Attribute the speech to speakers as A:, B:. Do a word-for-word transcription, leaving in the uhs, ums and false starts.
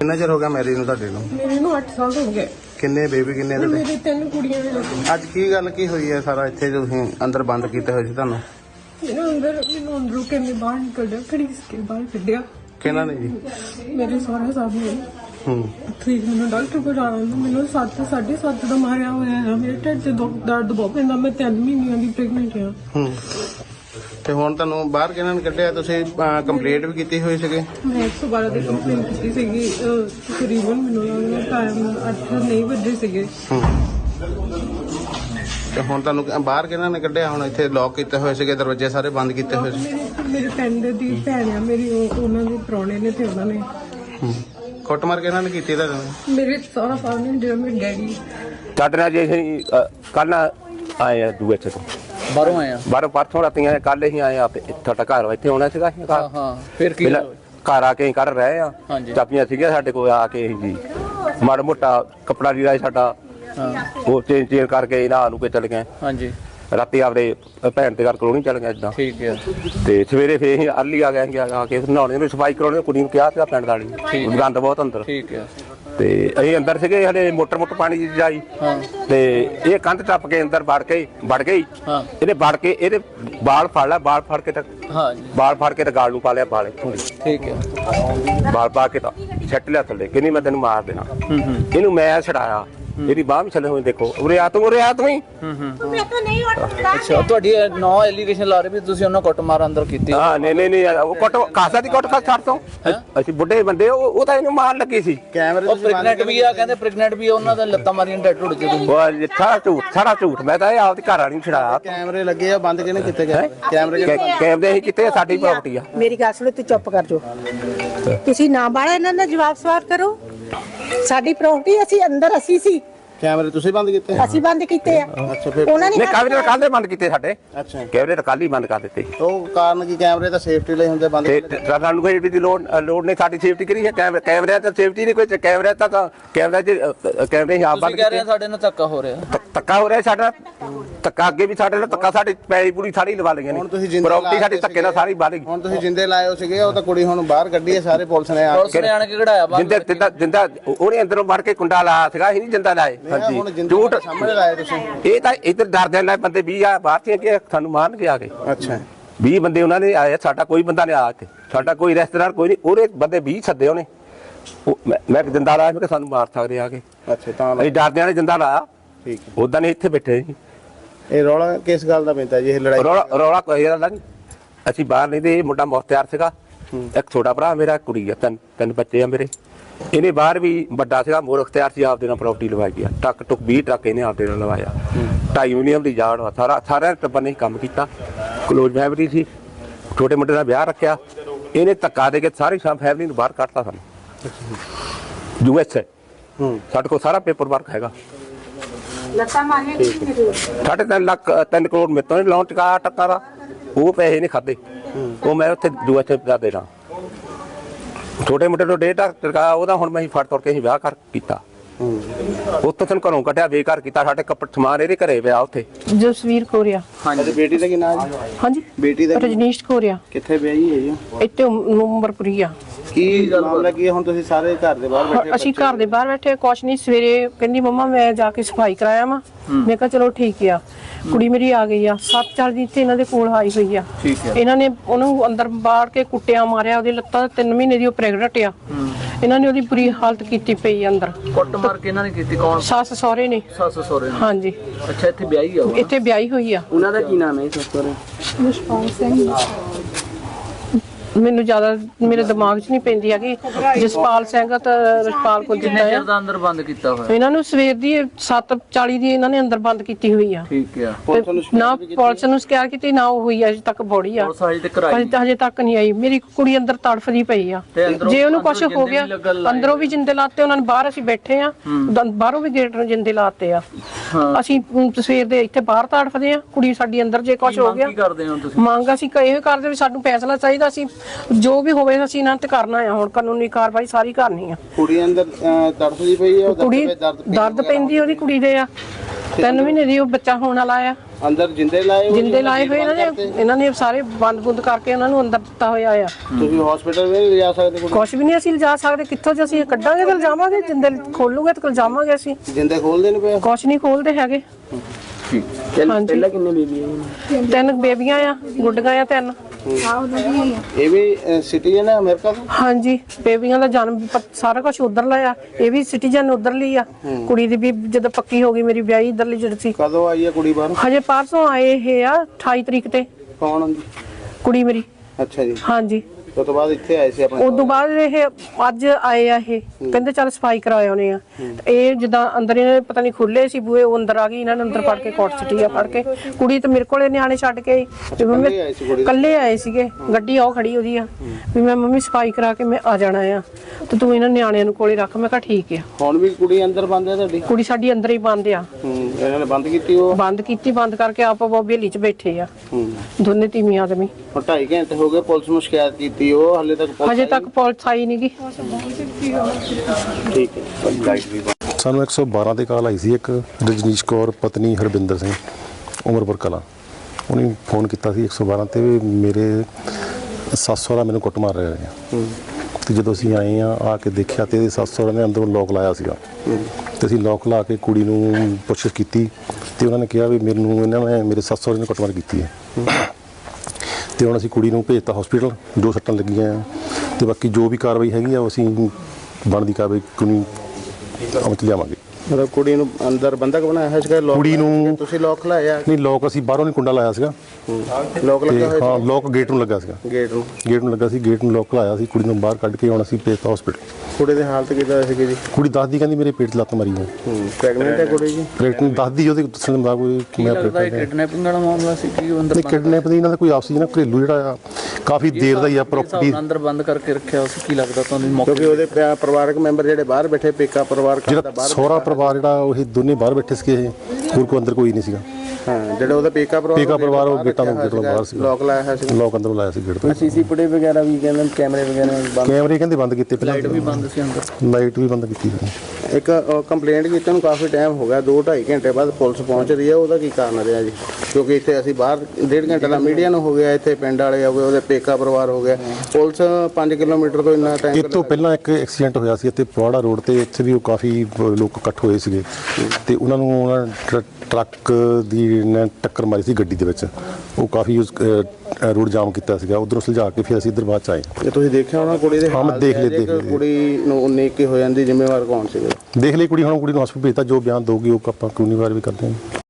A: ਕਿੰਨਾ ਚਿਰ ਹੋ ਗਿਆ ਮੈਰਿਜ ਨੂੰ ਤੁਹਾਡੇ ਨੂੰ?
B: ਮੇਰੇ ਨੂੰ ਅੱਠ ਸਾਲ ਹੋ ਗਏ।
A: ਕਿੰਨੇ ਬੇਬੀ ਕਿੰਨੇ ਤੁਹਾਡੇ?
B: ਮੇਰੇ ਤਿੰਨ ਕੁੜੀਆਂ ਨੇ।
A: ਅੱਜ ਕੀ ਗੱਲ ਕੀ ਹੋਈ ਹੈ ਸਾਰਾ ਇੱਥੇ ਤੁਸੀਂ ਅੰਦਰ ਬੰਦ ਕੀਤੇ ਹੋਏ ਸੀ ਤੁਹਾਨੂੰ?
B: ਮੈਨੂੰ ਅੰਦਰ ਮੈਨੂੰ ਅੰਦਰੋਂ ਕਿਵੇਂ ਬਾਹਰ ਨਿਕਲਿਆ, ਖੜੀਸ ਕੇ ਬਾਹਰ ਕੱਢਿਆ।
A: ਕਿਹਨਾਂ ਨੇ ਜੀ?
B: ਮੇਰੇ ਸਹੁਰਾ ਸਾਹਿਬ ਨੇ।
A: ਹੂੰ
B: ਠੀਕ ਮੈਨੂੰ ਡਾਕਟਰ ਕੋਲ ਜਾਣਾ, ਮੈਨੂੰ ਸੱਤ ਸਾਢੇ ਸੱਤ ਦਾ ਮਾਰਿਆ ਹੋਇਆ ਹੈ। ਮੇਰੇ ਢਿੱਡ 'ਚ ਦੁੱਖ ਦਰਦ ਬਹੁਤ ਪੈਂਦਾ। ਮੈਂ ਤਿੰਨ ਮਹੀਨਿਆਂ ਦੀ ਪ੍ਰੈਗਨੈਂਟ ਹਾਂ।
A: ਹੂੰ ਤੇ ਹੁਣ ਤੁਹਾਨੂੰ ਬਾਹਰ ਕਿਹਨਾਂ ਨੇ ਕੱਢਿਆ? ਤੁਸੀਂ ਕੰਪਲੇਂਟ ਵੀ ਕੀਤੀ ਹੋਈ ਸੀਗੀ?
B: ਮੈਂ ਇੱਕ ਸੌ ਬਾਰਾਂ ਦੀ ਕੰਪਲੇਂਟ ਕੀਤੀ ਸੀਗੀ। ਤਕਰੀਬਨ ਮੈਨੂੰ ਲੱਗਦਾ ਟਾਈਮ ਅੱਠ ਨਹੀਂ ਵੱਜੇ ਸੀਗੇ।
A: ਹੂੰ ਤੇ ਹੁਣ ਤੁਹਾਨੂੰ ਬਾਹਰ ਕਿਹਨਾਂ ਨੇ ਕੱਢਿਆ? ਹੁਣ ਇੱਥੇ ਲੌਕ ਕੀਤੇ ਹੋਏ ਸੀਗੇ, ਦਰਵਾਜ਼ੇ ਸਾਰੇ ਬੰਦ ਕੀਤੇ ਹੋਏ ਸੀ।
B: ਮੇਰੇ ਮੇਰੇ ਪਿੰਡ ਦੀ ਭੈਣ ਆ ਮੇਰੀ, ਉਹ ਉਹਨਾਂ ਦੇ ਪ੍ਰਾਹੁਣੇ ਨੇ ਤੇ ਉਹਨਾਂ ਨੇ
A: ਕੁੱਟਮਾਰ ਕਿਹਨਾਂ ਨੇ ਕੀਤੀ ਤੁਹਾਨੂੰ?
B: ਮੇਰੇ ਸਹੁਰਾ ਸਾਹਿਬ ਨੇ, ਜਿਹੜਾ ਮੇਰੇ ਡੈਡੀ।
C: ਸਾਡੇ ਨਾਲ ਜੇ ਅਸੀਂ ਕੱਲ ਆਏ ਆ ਦੂਏ ਤੋਂ
D: ਬਾਹਰੋਂ ਆਏ ਆ,
C: ਬਾਹਰੋਂ ਪਰਸੋਂ ਰਾਤੀ ਆਏ, ਕੱਲ ਹੀ ਆਏ ਆ। ਤੁਹਾਡਾ ਘਰ ਇੱਥੇ ਆਉਣਾ ਸੀਗਾ?
D: ਹਾਂ ਹਾਂ। ਫਿਰ ਕੀ
C: ਘਰ ਆ ਕੇ ਅਸੀਂ ਕਰ ਰਹੇ ਆ,
D: ਹਾਂਜੀ।
C: ਚਾਬੀਆਂ ਸੀਗੀਆਂ ਸਾਡੇ ਕੋਲ, ਆ ਕੇ ਜੀ ਮਾੜਾ ਮੋਟਾ ਕੱਪੜਾ ਲੀੜਾ ਸਾਡਾ ਉਹ ਚੇਂਜ ਚੇਂਜ ਕਰਕੇ ਇਹਨਾਂ ਨੂੰ ਕੇ ਚਲੇ ਗਏ।
D: ਹਾਂਜੀ
C: ਰਾਤੀ ਆਪਦੇ ਭੈਣ ਦੇ ਘਰ ਕਲੋਨੀ ਚੱਲ ਗਏ ਇਦਾਂ।
D: ਠੀਕ ਹੈ।
C: ਤੇ ਸਵੇਰੇ ਫੇਰ ਅਸੀਂ ਅਰਲੀ ਆ ਗਏ ਆ ਕੇ ਨਹਾਉਣੇ ਨੂੰ ਸਫਾਈ ਕਰਾਉਣੇ, ਕੁੜੀ ਨੂੰ ਕਿਹਾ ਸੀਗਾ ਪਿੰਡ ਵਾਲੀ, ਗੰਦ ਬਹੁਤ ਅੰਦਰ।
D: ਠੀਕ ਹੈ।
C: ਤੇ ਅਸੀਂ ਅੰਦਰ ਸੀਗੇ, ਹਲੇ ਮੋਟਰ ਮੋਟਰ ਪਾਣੀ ਦੀ ਜਾਈ ਤੇ ਇਹ ਕੰਧ ਟੱਪ ਕੇ ਅੰਦਰ ਵੜ ਕੇ ਵੜ ਗਈ।
D: ਹਾਂ
C: ਇਹਨੇ ਵੜ ਕੇ ਇਹਦੇ ਬਾਲ ਫੜ ਲਿਆ, ਬਾਲ ਫੜ ਕੇ ਤਾਂ
D: ਹਾਂ
C: ਬਾਲ ਫੜ ਕੇ ਤਾਂ ਗਾਲ ਨੂੰ ਪਾ ਲਿਆ, ਬਾਲ ਇੱਥੋਂ
D: ਠੀਕ ਹੈ।
C: ਬਾਲ ਪਾ ਕੇ ਤਾਂ ਛੱਟ ਲਿਆ ਥੱਲੇ, ਕਹਿੰਦੀ ਮੈਂ ਤੈਨੂੰ ਮਾਰ ਦੇਣਾ।
D: ਹੂੰ ਹੂੰ
C: ਇਹਨੂੰ ਮੈਂ ਛਡਾਇਆ, ਇਹਦੀ ਬਾਹ ਵੀ ਛੱਲੇ ਹੋਏ, ਦੇਖੋ ਉਰੇ ਆ ਤੂੰ, ਉਰੇ ਆ ਤੂੰ ਹੀ।
D: ਹੂੰ ਹੂੰ ਅੱਛਾ, ਤੁਹਾਡੀ ਨੌ ਐਲੀਗੇਸ਼ਨ ਲਾ ਰਹੇ ਵੀ ਤੁਸੀਂ ਉਹਨਾਂ ਕੁੱਟ ਮਾਰ ਅੰਦਰ ਕੀਤੀ?
C: ਹਾਂ ਨਹੀਂ ਨਹੀਂ ਨਹੀਂ, ਉਹ ਕੁੱਟ ਕਾਸਾ ਦੀ ਕੁੱਟ ਖਾ ਛੱਡ ਤੋਂ। ਅਸੀਂ ਬੁੱਢੇ ਬੰਦੇ, ਉਹ ਉਹ ਤਾਂ ਇਹਨੂੰ ਮਾਰਨ ਲੱਗੀ ਸੀ।
A: ਕੈਮਰੇ
D: ਉਹ ਪ੍ਰੈਗਨੈਂਟ ਵੀ ਆ, ਕਹਿੰਦੇ ਪ੍ਰੈਗਨੈਂਟ ਵੀ ਆ, ਉਹਨਾਂ ਦਾ ਲੱਤਾਂ ਮਾਰੀਆਂ ਡੈਡ ਢੁੱਡ ਚ।
C: ਉਹ ਸਾਰਾ ਝੂਠ, ਸਾਰਾ ਝੂਠ। ਮੈਂ ਤਾਂ ਇਹ ਆਪਦੀ ਘਰ ਵਾਲੀ ਨੂੰ ਛਡਾਇਆ।
A: ਕੈਮਰੇ ਲੱਗੇ ਆ, ਬੰਦ ਕਿਹਨੇ ਕੀਤੇ ਗਏ? ਕੈਮਰੇ
C: ਕੈਮਰੇ ਅਸੀਂ ਕਿਤੇ, ਸਾਡੀ ਪ੍ਰਾਪਰਟੀ ਆ।
E: ਮੇਰੀ ਗੱਲ ਸੁਣੋ, ਤੂੰ ਚੁੱਪ ਕਰ ਜੋ। ਤੁਸੀਂ ਨਾ ਬਾਹਰ ਇਹਨਾਂ ਦਾ ਜਵਾਬ ਸਵਾਲ ਕਰੋ। ਸਾਡੀ ਪ੍ਰਾਪਰਟੀ, ਅਸੀਂ ਅੰਦਰ ਅਸੀਂ ਸੀ।
A: ਕੈਮਰੇ ਤੁਸੀਂ ਬੰਦ ਕੀਤੇ?
E: ਅਸੀਂ ਬੰਦ ਕੀਤੇ ਆ।
A: ਅੱਛਾ ਫਿਰ
E: ਉਹਨਾਂ ਨੇ
C: ਨਹੀਂ, ਕੈਮਰੇ ਕੱਲ ਦੇ ਬੰਦ ਕੀਤੇ ਸਾਡੇ।
A: ਅੱਛਾ
C: ਕੈਮਰੇ ਤਾਂ ਕੱਲ ਹੀ ਬੰਦ ਕਰ ਦਿੱਤੇ।
A: ਉਹ ਕਾਰਨ ਕੀ? ਕੈਮਰੇ ਤਾਂ ਸੇਫਟੀ ਲਈ ਹੁੰਦੇ, ਬੰਦ
C: ਤੇ ਸਾਨੂੰ ਕੋਈ ਦੀ ਲੋੜ ਲੋੜ ਨਹੀਂ, ਸਾਡੀ ਸੇਫਟੀ ਕਰੀ ਹੈ। ਕੈਮਰੇ ਕੈਮਰੇ ਤਾਂ ਸੇਫਟੀ ਨਹੀਂ ਕੋਈ, ਕੈਮਰੇ ਤਾਂ ਕੈਮਰੇ ਚ ਕੈਮਰੇ ਹੀ ਆਪ ਬੰਦ
D: ਕਹਿ ਰਹੇ ਸਾਡੇ ਨਾਲ ਧੱਕਾ ਹੋ ਰਿਹਾ।
C: ਧੱਕਾ ਹੋ ਰਿਹਾ ਸਾਡਾ, ਧੱਕਾ ਅੱਗੇ ਵੀ ਸਾਡੇ ਨਾਲ ਧੱਕਾ, ਸਾਡੀ ਪੈਲੀ ਪੂਰੀ ਸਾਰੀ ਲਵਾ ਲਈਆਂ
A: ਹੁਣ ਤੁਸੀਂ
C: ਨੇ,
A: ਜਿੰਦੇ
C: ਪ੍ਰਾਪਰਟੀ ਸਾਡੀ ਧੱਕੇ ਨਾਲ ਸਾਰੀ ਬਾਹਰ ਗਈ।
A: ਹੁਣ ਤੁਸੀਂ ਜਿੰਦੇ ਲਾਏ ਹੋ ਸੀਗੇ, ਉਹ ਤਾਂ ਕੁੜੀ ਹੁਣ ਬਾਹਰ ਕੱਢੀ ਹੈ, ਸਾਰੇ ਪੁਲਿਸ ਨੇ ਆ
D: ਪੁਲਿਸ ਨੇ ਆਣ ਕੇ ਕਢਾਇਆ ਬਾਹਰ।
C: ਜਿੰਦਾ ਜਿੰਦਾ ਜਿੰਦਾ ਉਹਨੇ ਅੰਦਰੋਂ ਵੜ ਕੇ ਕੁੰਡਾ ਲਾਇਆ ਸੀਗਾ, ਅਸੀਂ ਨਹੀਂ ਜਿੰਦਾ ਲਾਏ। ਹਾਂਜੀ ਝੂਠ
A: ਸਾਹਮਣੇ ਲਾਏ ਤੁਸੀਂ।
C: ਇਹ ਤਾਂ ਇੱਧਰ ਡਰਦੇ ਨਾਲ ਬੰਦੇ ਵੀਹ ਆ ਬਾਹਰ ਤੇ ਕਿ ਸਾਨੂੰ ਮਾਰਨ ਕੇ ਆ ਗਏ।
A: ਅੱਛਾ
C: ਵੀਹ ਬੰਦੇ ਉਹਨਾਂ ਨੇ ਆਏ, ਸਾਡਾ ਕੋਈ ਬੰਦਾ ਨਹੀਂ ਆਇਆ ਇੱਥੇ, ਸਾਡਾ ਕੋਈ ਰਿਸ਼ਤੇਦਾਰ ਕੋਈ ਨਹੀਂ। ਉਹਦੇ ਬੰਦੇ ਵੀਹ ਸੱਦੇ ਉਹਨੇ, ਮੈਂ ਜਿੰਦਾ ਲਾਇਆ, ਮੈਂ ਕਿਹਾ ਸਾਨੂੰ ਮਾਰ ਸਕਦੇ ਆ ਕੇ।
A: ਅੱਛਾ ਤਾਂ
C: ਅਸੀਂ ਡਰਦਿਆਂ ਨੇ ਜਿੰਦਾ ਲਾਇਆ।
A: ਠੀਕ ਹੈ।
C: ਉਦਾਂ ਨਹੀਂ ਇੱਥੇ ਬੈਠੇ ਸੀ।
A: ਇਹ ਰੌਲਾ ਕਿਸ ਗੱਲ ਦਾ ਪੈਂਦਾ ਜੀ? ਇਹ ਲੜਾਈ
C: ਰੌਲਾ ਰੌਲਾ ਕੋਈ ਗੱਲ ਨਹੀਂ, ਅਸੀਂ ਬਾਹਰ ਨਹੀਂ ਤੇ ਇਹ ਮੁੰਡਾ ਮੁਖਤਿਆਰ ਸੀਗਾ, ਇੱਕ ਛੋਟਾ ਭਰਾ ਮੇਰਾ, ਕੁੜੀ ਆ, ਤਿੰਨ ਤਿੰਨ ਬੱਚੇ ਆ ਮੇਰੇ। ਇਹਨੇ ਬਾਹਰ ਵੀ ਵੱਡਾ ਸੀਗਾ, ਮੋਰ ਅਖਤਿਆਰ ਸੀ, ਆਪਦੇ ਨਾਲ ਪ੍ਰਾਪਰਟੀ ਲਵਾਈ ਗਿਆ। ਟੱਕ ਟੁੱਕ ਵੀਹ ਟਰੱਕ ਇਹਨੇ ਆਪਦੇ ਨਾਲ ਲਵਾਇਆ। ਢਾਈ ਯੂਨੀਅਮ ਦੀ ਜਾੜ ਵਾ, ਸਾਰਾ ਸਾਰਿਆਂ ਟੱਬਰ ਨੇ ਕੰਮ ਕੀਤਾ। ਕਲੋਜ਼ ਫੈਮਿਲੀ ਸੀ, ਛੋਟੇ ਮੁੰਡੇ ਦਾ ਵਿਆਹ ਰੱਖਿਆ। ਇਹਨੇ ਧੱਕਾ ਦੇ ਕੇ ਸਾਰੀ ਸ਼ਾਮ ਫੈਮਿਲੀ ਨੂੰ ਬਾਹਰ ਕੱਢਤਾ ਸਾਨੂੰ। ਯੂ ਐਸ ਏ ਸਾਡੇ ਕੋਲ ਸਾਰਾ ਪੇਪਰ ਵਰਕ ਹੈਗਾ। ਸਾਢੇ ਤਿੰਨ ਲੱਖ ਤਿੰਨ ਕਰੋੜ ਮੇਰੇ ਤੋਂ ਲੋਨ ਟਕਾ ਟੱਕਾ ਦਾ, ਉਹ ਪੈਸੇ ਨਹੀਂ ਖਾਦੇ, ਉਹ ਮੈਂ ਉੱਥੇ ਯੂ ਐਸ ਏ ਦਾ ਦੇਣਾ। ਛੋਟੇ ਮੁੰਡੇ ਨੂੰ ਡੇਢ ਲੱਖ ਟਕਾ ਉਹਦਾ, ਹੁਣ ਮੈਂ ਫੜ ਤੋੜ ਕੇ ਅਸੀਂ ਵਿਆਹ ਕਰ ਕੀਤਾ। ਉੱਥੋਂ ਸਾਨੂੰ ਘਰੋਂ ਕੱਢਿਆ, ਬੇਕਾਰ ਕੀਤਾ। ਸਾਡੇ ਕੱਪੜ ਸਮਾਨ ਇਹਦੇ ਘਰੇ ਪਿਆ ਉੱਥੇ।
E: ਜਸਵੀਰ ਕੋਰੀਆ।
A: ਹਾਂਜੀ ਬੇਟੀ ਦਾ ਕੀ ਨਾਮ ਹੈ?
E: ਹਾਂਜੀ
A: ਬੇਟੀ ਦਾ
E: ਰਜਨੀਸ਼ ਕੋਰੀਆ।
A: ਕਿੱਥੇ ਵਿਆਹੀ ਹੈ ਜੀ?
E: ਇੱਥੇ ਨੰਬਰਪੁਰੀ ਆ।
A: ਕੀ ਮਾਮਲਾ ਕੀ ਹੈ? ਹੁਣ ਤੁਸੀਂ ਸਾਰੇ ਘਰ ਦੇ ਬਾਹਰ ਬੈਠੇ?
E: ਅਸੀਂ ਘਰ ਦੇ ਬਾਹਰ ਬੈਠੇ, ਕੁਛ ਨਹੀਂ। ਸਵੇਰੇ ਕਹਿੰਦੀ ਮੰਮਾ ਮੈਂ ਜਾ ਕੇ ਸਫਾਈ ਕਰਾਇਆ ਵਾ। ਮੈਂ ਕਿਹਾ ਚਲੋ ਠੀਕ ਆ। ਕੁੜੀ ਮੇਰੀ ਆ ਗਈ ਆ, ਸੱਤ ਚਾਰ ਦਿਨ ਇੱਥੇ ਇਹਨਾਂ ਦੇ ਕੋਲ ਆਈ ਹੋਈ ਆ। ਇਹਨਾਂ ਨੇ ਉਹਨੂੰ ਅੰਦਰ ਬਾੜ ਕੇ ਕੁੱਟਿਆ, ਮਾਰਿਆ। ਉਹਦੀ ਲੱਤਾਂ ਤਿੰਨ ਮਹੀਨੇ ਦੀ ਉਹ ਪ੍ਰੈਗਨੈਂਟ ਆ। ਇਹਨਾਂ ਨੇ ਉਹਦੀ ਬੁਰੀ ਹਾਲਤ ਕੀਤੀ ਪਈ ਅੰਦਰ।
D: ਕੁੱਟ ਮਾਰ ਕੇ ਇਹਨਾਂ ਨੇ ਕੀਤੀ? ਕੌਣ?
E: ਸੱਸ ਸਹੁਰੇ ਨੇ।
D: ਸੱਸ ਸਹੁਰੇ ਨੇ?
E: ਹਾਂਜੀ।
D: ਅੱਛਾ, ਇੱਥੇ ਵਿਆਹੀ ਆ ਉਹ?
E: ਇੱਥੇ ਵਿਆਹੀ ਹੋਈ ਆ।
D: ਉਹਨਾਂ ਦਾ ਕੀ ਨਾਮ ਹੈ ਸੱਸ ਸਹੁਰੇ?
E: ਜਸਪਾਲ ਸਿੰਘ। ਮੈਨੂੰ ਜ਼ਿਆਦਾ ਮੇਰੇ ਦਿਮਾਗ 'ਚ ਨਹੀਂ ਪੈਂਦੀ ਹੈਗੀ। ਜਸਪਾਲ ਸਿੰਘ ਤਾਂ ਰਸਪਾਲ ਕੋਲ
D: ਕਿੰਨੇ ਚਿਰ ਦਾ ਅੰਦਰ ਬੰਦ ਕੀਤਾ ਹੋਇਆ?
E: ਇਹਨਾਂ ਨੂੰ ਸਵੇਰ ਦੀ ਸੱਤ ਚਾਲੀ ਦੀ ਇਹਨਾਂ ਨੇ ਅੰਦਰ ਬੰਦ ਕੀਤੀ ਹੋਈ ਆ।
D: ਠੀਕ ਆ।
E: ਨਾ ਪੁਲਿਸ ਨੂੰ ਸ਼ਿਕਾਇਤ ਕੀਤੀ, ਨਾ ਉਹ ਹੋਈ ਅਜੇ ਤੱਕ ਬੋੜੀ ਆ।
D: ਪੁਲਿਸ ਅਜੇ ਤੱਕ ਆਈ
E: ਅਜੇ ਹਜੇ ਤੱਕ ਨਹੀਂ ਆਈ। ਮੇਰੀ ਕੁੜੀ ਅੰਦਰ ਤੜਫਦੀ ਪਈ ਆ। ਜੇ ਉਹਨੂੰ ਕੁਝ ਹੋ ਗਿਆ, ਅੰਦਰੋਂ ਵੀ ਜਿੰਦੇ ਲਾਤੇ ਉਹਨਾਂ ਨੇ। ਬਾਹਰ ਅਸੀਂ ਬੈਠੇ ਆ, ਬਾਹਰੋਂ ਵੀ ਗੇਟ ਨੂੰ ਜਿੰਦੇ ਲਾਤੇ ਆ। ਅਸੀਂ ਸਵੇਰ ਦੇ ਇੱਥੇ ਬਾਹਰ ਤੜਫਦੇ ਆ। ਕੁੜੀ ਸਾਡੀ ਅੰਦਰ ਜੇ ਕੁਝ ਹੋ ਗਿਆ,
D: ਕੀ ਕਰਦੇ ਹੋ ਤੁਸੀਂ?
E: ਮੰਗ ਅਸੀਂ ਇਹ ਕਰਦੇ ਵੀ ਸਾਨੂੰ ਫੈਸਲਾ ਚਾਹੀਦਾ। ਅਸੀਂ ਜੋ ਵੀ ਹੋਵੇ ਅਸੀਂ ਇਹਨਾਂ ਤੇ ਕਰਨਾ ਆ, ਹੁਣ ਕਾਨੂੰਨੀ ਕਾਰਵਾਈ ਸਾਰੀ ਕਰਨੀ ਆ।
A: ਕੁੜੀ ਅੰਦਰ ਅਹ, ਤੜਫਦੀ ਪਈ ਹੈ, ਉਹ
E: ਕੁੜੀ
A: ਦਰਦ ਪਈ
E: ਦਰਦ ਪੈਂਦੀ ਉਹਦੀ ਕੁੜੀ ਦੇ ਆ, ਤਿੰਨ ਮਹੀਨੇ ਦੀ ਉਹ ਬੱਚਾ ਹੋਣ ਵਾਲਾ ਆ।
A: ਅੰਦਰ ਜਿੰਦੇ ਲਾਏ ਹੋਏ
E: ਜਿੰਦੇ ਲਾਏ ਹੋਏ ਇਹਨਾਂ ਨੇ, ਇਹਨਾਂ ਨੇ ਸਾਰੇ ਬੰਦ ਬੁੰਦ ਕਰਕੇ ਉਹਨਾਂ ਨੂੰ ਅੰਦਰ ਦਿੱਤਾ ਹੋਇਆ ਆ।
A: ਤੁਸੀਂ ਹਸਪੀਟਲ ਵੀ ਨਹੀਂ ਜਾ ਸਕਦੇ ਕੁੜੀ
E: ਕੁਛ ਵੀ ਨਹੀਂ ਅਸੀਂ ਲਿਜਾ ਸਕਦੇ, ਕਿੱਥੋਂ ਜੇ ਅਸੀਂ ਕੱਢਾਂਗੇ ਤਾਂ ਲਿਜਾਵਾਂਗੇ, ਜਿੰਦੇ ਖੋਲੂਗੇ ਤਾਂ ਲਿਜਾਵਾਂਗੇ ਅਸੀਂ।
A: ਜਿੰਦੇ ਖੋਲਦੇ ਨਹੀਂ ਪਏ।
E: ਕੁਛ ਨਹੀਂ ਖੋਲਦੇ ਹੈਗੇ। ਹਾਂਜੀ
D: ਪਹਿਲਾਂ ਕਿੰਨੇ ਬੇਬੀ
E: ਤਿੰਨ ਬੇਬੀਆਂ ਆ, ਗੁੱਡੀਆਂ ਆ ਤਿੰਨ।
A: ਇਹ ਵੀ ਸਿਟੀਜ਼ਨ ਹੈ ਅਮਰੀਕਾ ਦਾ।
E: ਹਾਂਜੀ ਬੇਬੀਆਂ ਦਾ ਜਨਮ ਪ- ਸਾਰਾ ਕੁਝ ਉਧਰ ਲਿਆ, ਇਹ ਵੀ ਸਿਟੀਜ਼ਨ ਉਧਰ ਲਈ ਆ। ਕੁੜੀ ਦੀ ਵੀ ਜਦੋਂ ਪੱਕੀ ਹੋ ਗਈ ਮੇਰੀ ਵਿਆਹੀ ਇਧਰਲੀ ਜਿਹੜੀ ਸੀ।
A: ਕਦੋਂ ਆਈ ਹੈ ਕੁੜੀ ਬਾਹਰ?
E: ਹਜੇ ਪਰਸੋਂ ਆਏ ਇਹ ਆ ਅਠਾਈ ਤਰੀਕ ਤੇ
A: ਕੌਣ ਹੁੰਦੀ?
E: ਕੁੜੀ ਮੇਰੀ।
A: ਅੱਛਾ ਜੀ।
E: ਹਾਂਜੀ
A: ਉਸ ਤੋਂ ਬਾਅਦ ਇੱਥੇ ਆਏ ਸੀ ਆਪਣੇ?
E: ਉਸ ਤੋਂ ਬਾਅਦ ਇਹ ਅੱਜ ਆਏ ਆ, ਇਹ ਕਹਿੰਦੇ ਚੱਲ ਸਫਾਈ ਕਰਾ ਆਉਨੇ ਆ। ਇਹ ਜਿੱਦਾਂ ਅੰਦਰ ਇਹਨੇ ਪਤਾ ਨਹੀਂ ਖੁੱਲੇ ਸੀ ਬੂਹੇ, ਉਹ ਅੰਦਰ ਆ ਗਈ, ਇਹਨਾਂ ਨੇ ਅੰਦਰ ਫੜ ਕੇ ਕੋਟ ਸਿੱਟੀ ਆ ਫੜ ਕੇ। ਕੁੜੀ ਤੇ ਮੇਰੇ ਕੋਲੇ ਨਿਆਣੇ ਛੱਡ ਕੇ ਆਈ ਤੇ ਮੰਮੀ
A: ਇਕੱਲੇ ਆਏ ਸੀ ਕੁੜੀ ਦੇ?
E: ਕੱਲੇ ਆਏ ਸੀਗੇ, ਗੱਡੀ ਉਹ ਖੜੀ ਉਹਦੀ ਆ ਵੀ ਮੈਂ ਮੰਮੀ ਸਫਾਈ ਕਰਾ ਕੇ ਮੈਂ ਆ ਜਾਣਾ ਆ ਤੇ ਤੂੰ ਇਹਨਾਂ ਨਿਆਣਿਆਂ ਨੂੰ ਕੋਲੇ ਰੱਖ। ਮੈਂ ਕਿਹਾ ਠੀਕ ਆ।
A: ਹੁਣ ਵੀ ਕੁੜੀ ਅੰਦਰ ਬੰਦ ਹੈ ਤੁਹਾਡੀ?
E: ਕੁੜੀ ਸਾਡੀ ਅੰਦਰ ਹੀ ਬੰਦ ਆ।
A: ਹੂੰ, ਇਹਨਾਂ ਨੇ ਬੰਦ ਕੀਤੀ ਉਹ?
E: ਬੰਦ ਕੀਤੀ, ਬੰਦ ਕਰਕੇ ਆਪ ਉਹ ਬੇਲੀ 'ਚ ਬੈਠੇ ਆ
A: ਹੂੰ।
E: ਦੋਨੇ ਤੀਵੀਂ ਆਦਮੀ।
A: ਹੁਣ ਢਾਈ ਘੰਟੇ ਹੋ ਗਏ ਪੁਲਿਸ ਨੂੰ ਸ਼ਿਕਾਇਤ ਕੀਤੀ, ਉਹ ਹਾਲੇ ਤੱਕ ਪੁਲਿਸ
E: ਹਜੇ ਤੱਕ ਪੁਲਿਸ ਆਈ ਨੀ ਗੀ।
A: ਠੀਕ ਹੈ। ਲਾਈਟ ਵੀ ਬੰਦ।
F: ਸਾਨੂੰ ਇੱਕ ਸੌ ਬਾਰਾਂ ਤੇ ਕਾਲ ਆਈ ਸੀ, ਇੱਕ ਰਜਨੀਸ਼ ਕੌਰ ਪਤਨੀ ਹਰਬਿੰਦਰ ਸਿੰਘ ਉਮਰਪੁਰ ਕਲਾਂ। ਉਹਨੇ ਫੋਨ ਕੀਤਾ ਸੀ ਇੱਕ ਸੌ ਬਾਰਾਂ ਤੇ ਵੀ ਮੇਰੇ ਸੱਸ ਸਹੁਰਾ ਮੈਨੂੰ ਕੁੱਟ ਮਾਰ ਰਹੇ ਆ। ਤੇ ਜਦੋਂ ਅਸੀਂ ਆਏ ਆ ਆ ਕੇ ਦੇਖਿਆ ਤੇ ਇਹਦੇ ਸੱਸ ਸਹੁਰਾ ਨੇ ਅੰਦਰੋਂ ਲੋਕ ਲਾਇਆ ਸੀਗਾ ਤੇ ਅਸੀਂ ਲੋਕ ਲਾ ਕੇ ਕੁੜੀ ਨੂੰ ਪੁੱਛਿਸ਼ ਕੀਤੀ ਤੇ ਉਹਨਾਂ ਨੇ ਕਿਹਾ ਵੀ ਮੈਨੂੰ ਇਹਨਾਂ ਨੇ ਮੇਰੇ ਸੱਸ ਸਹੁਰੇ ਨੇ ਕੁੱਟਮਾਰ ਕੀਤੀ ਹੈ। ਤੇ ਹੁਣ ਅਸੀਂ ਕੁੜੀ ਨੂੰ ਭੇਜਤਾ ਹਸਪੀਟਲ, ਜੋ ਸੱਟਾਂ ਲੱਗੀਆਂ ਆ ਤੇ ਬਾਕੀ ਜੋ ਵੀ ਕਾਰਵਾਈ ਹੈਗੀ ਆ ਉਹ ਅਸੀਂ ਬਣਦੀ ਕਾਰਵਾਈ ਕਾਨੂੰਨੀ ਅਮਲ 'ਚ ਲਿਆਵਾਂਗੇ।
A: ਮਤਲਬ ਕੁੜੀ ਨੂੰ ਅੰਦਰ ਬੰਦਕ ਬਣਾਇਆ ਹੈ ਸੀਗਾ? ਲੋਕ
F: ਕੁੜੀ ਨੂੰ
A: ਤੁਸੀਂ ਲੋਕ ਲਾਇਆ?
F: ਨਹੀਂ, ਲੋਕ ਅਸੀਂ ਬਾਹਰੋਂ ਨਹੀਂ ਕੁੰਡਾ ਲਾਇਆ ਸੀਗਾ
A: ਲੋਕ
F: ਤੇ
A: ਲੱਗੇ ਹੋਏ
F: ਹਾਂ ਲੋਕ ਗੇਟ ਨੂੰ ਲੱਗਾ ਸੀਗਾ,
A: ਗੇਟ ਨੂੰ?
F: ਗੇਟ ਨੂੰ ਲੱਗਾ ਸੀ, ਗੇਟ ਨੂੰ ਲੋਕ ਲਾਇਆ ਸੀ। ਕੁੜੀ ਨੂੰ ਬਾਹਰ ਕੱਢ ਕੇ ਹੁਣ ਅਸੀਂ ਭੇਜਤਾ ਹਸਪੀਟਲ।
A: ਕੁੜੀ ਦੀ ਹਾਲਤ ਕਿੱਦਾਂ ਸੀਗੀ ਜੀ?
F: ਕੁੜੀ ਦੱਸਦੀ ਕਹਿੰਦੀ ਮੇਰੇ ਪੇਟ 'ਚ ਲੱਤ ਮਾਰੀ ਹੈ।
A: ਹੂੰ, ਪ੍ਰੈਗਨੈਂਟ ਹੈ ਕੁੜੀ ਜੀ?
F: ਪ੍ਰੈਗਨੈਂਟ ਨੂੰ ਦੱਸਦੀ, ਉਹਦੇ ਦੱਸਣ ਦਾ ਕੋਈ ਮੈਂ
D: ਲੱਗਦਾ ਇਹ ਕਿਡਨੈਪਿੰਗ ਵਾਲਾ ਮਾਮਲਾ ਸੀ ਕਿ ਉਹ ਅੰਦਰ
F: ਨਹੀਂ ਕਿਡਨੈਪ ਦੀ ਇਹਨਾਂ ਦਾ ਕੋਈ ਆਪਸੀ ਨਾ ਘਰੇਲੂ ਜਿਹੜਾ ਆ ਕਾਫੀ ਦੇਰ ਦਾ ਹੀ ਆ ਪ੍ਰਾਪਰਟੀ।
D: ਅੰਦਰ ਬੰਦ ਕਰਕੇ ਰੱਖਿਆ ਉਸ ਕੀ ਲੱਗਦਾ ਤੁਹਾਨੂੰ ਮੌਕੇ
A: ਕਿਉਂਕਿ ਉਹਦੇ ਪਿਆ- ਪਰਿਵਾਰਕ ਮੈਂਬਰ ਜਿਹੜੇ ਬਾਹਰ ਬੈਠੇ, ਪੇਕਾ ਪਰਿਵਾਰ ਘਰ ਦਾ
F: ਜਿਹੜਾ
A: ਬਾਹਰ।
F: ਸਹੁਰਾ ਪਰਿਵਾਰ ਜਿਹੜਾ ਉਹ ਇਹ ਦੋਨੇ ਬਾਹਰ ਬੈਠੇ ਸੀਗੇ, ਇਹ ਹੋਰ ਕੋਈ ਅੰਦਰ ਕੋਈ ਨਹੀਂ ਸੀਗਾ।
A: ਹਾਂ, ਜਿਹੜਾ ਉਹਦਾ ਪੇਕਾ ਪਰਿਵਾਰ
F: ਪੇਕਾ ਪਰਿਵਾਰ ਉਹ ਗੇਟਾਂ ਤੋਂ ਗੇਟ ਤੋਂ ਬਾਹਰ ਸੀਗਾ,
A: ਲੋਕ ਲਾਇਆ ਹੋਇਆ ਸੀ।
F: ਲੋਕ ਅੰਦਰੋਂ ਲਾਇਆ ਸੀ ਗੇਟ ਤੋਂ।
D: ਸੀਸੀ ਫੁਟੇਜ ਵਗੈਰਾ ਵੀ ਕਹਿੰਦੇ ਕੈਮਰੇ ਵਗੈਰਾ ਬੰਦ,
F: ਕੈਮਰੇ ਕਹਿੰਦੇ ਬੰਦ ਕੀਤੇ ਪਹਿਲਾਂ,
D: ਲਾਈਟ ਵੀ ਬੰਦ ਸੀ ਅੰਦਰ,
F: ਲਾਈਟ ਵੀ ਬੰਦ ਕੀਤੀ ਸੀ।
A: ਇੱਕ ਕੰਪਲੇਂਟ ਕੀਤੀ ਨੂੰ ਕਾਫੀ ਟਾਈਮ ਹੋ ਗਿਆ, ਦੋ ਢਾਈ ਘੰਟੇ ਬਾਅਦ ਪੁਲਿਸ ਪਹੁੰਚ ਰਹੀ ਹੈ, ਉਹਦਾ ਕੀ ਕਾਰਨ ਰਿਹਾ ਜੀ? ਕਿਉਂਕਿ ਇੱਥੇ ਅਸੀਂ ਬਾਹਰ ਡੇਢ ਘੰਟੇ ਦਾ ਮੀਡੀਆ ਨੂੰ ਹੋ ਗਿਆ, ਇੱਥੇ ਪਿੰਡ ਵਾਲੇ ਹੋ ਗਏ, ਉਹਦੇ ਪੇਕਾ ਪਰਿਵਾਰ ਹੋ ਗਿਆ, ਪੁਲਿਸ ਪੰਜ ਕਿਲੋਮੀਟਰ ਤੋਂ ਇੰਨਾ ਟਾਈਮ।
F: ਇਹ ਤੋਂ ਪਹਿਲਾਂ ਇੱਕ ਐਕਸੀਡੈਂਟ ਹੋਇਆ ਸੀ ਇੱਥੇ ਪਵਾੜਾ ਰੋਡ ਤੇ, ਇੱਥੇ ਵੀ ਉਹ ਕਾਫੀ ਲੋਕ ਇਕੱਠ ਹੋਏ ਸੀਗੇ ਤੇ ਉਹਨਾਂ ਨੂੰ ਉਹਨਾਂ ਟਰ- ਟਰੱਕ ਦੀ ਨੇ ਟੱਕਰ ਮਾਰੀ ਸੀ ਗੱਡੀ ਦੇ ਵਿੱਚ। ਉਹ ਕਾਫੀ ਉਸ ਰੋਡ ਜਾਮ ਕੀਤਾ ਸੀਗਾ, ਉਧਰੋਂ ਸੁਲਝਾ ਕੇ ਫਿਰ ਅਸੀਂ ਇੱਧਰ ਬਾਅਦ ਚ ਆਏ।
A: ਜੇ ਤੁਸੀਂ ਦੇਖਿਆ ਹੋਣਾ ਕੁੜੀ ਦੇ
F: ਹਾਂ, ਮੈਂ ਦੇਖ ਲਿਆ, ਦੇਖ ਲਿਆ।
A: ਕੁੜੀ ਨੂੰ ਉਨੀ ਕੀ ਹੋ ਜਾਂਦੀ, ਜ਼ਿੰਮੇਵਾਰ ਕੌਣ ਸੀਗਾ?
F: ਦੇਖ ਲਈ ਕੁੜੀ, ਹੁਣ ਕੁੜੀ ਨੂੰ ਹਸਪਤਾਲ ਭੇਜਤਾ, ਜੋ ਬਿਆਨ ਦਊਗੀ ਉਹ ਆਪਾਂ ਕਾਨੂੰਨੀ ਕਾਰਵਾਈ ਕਰਦੇ ਹਾਂ।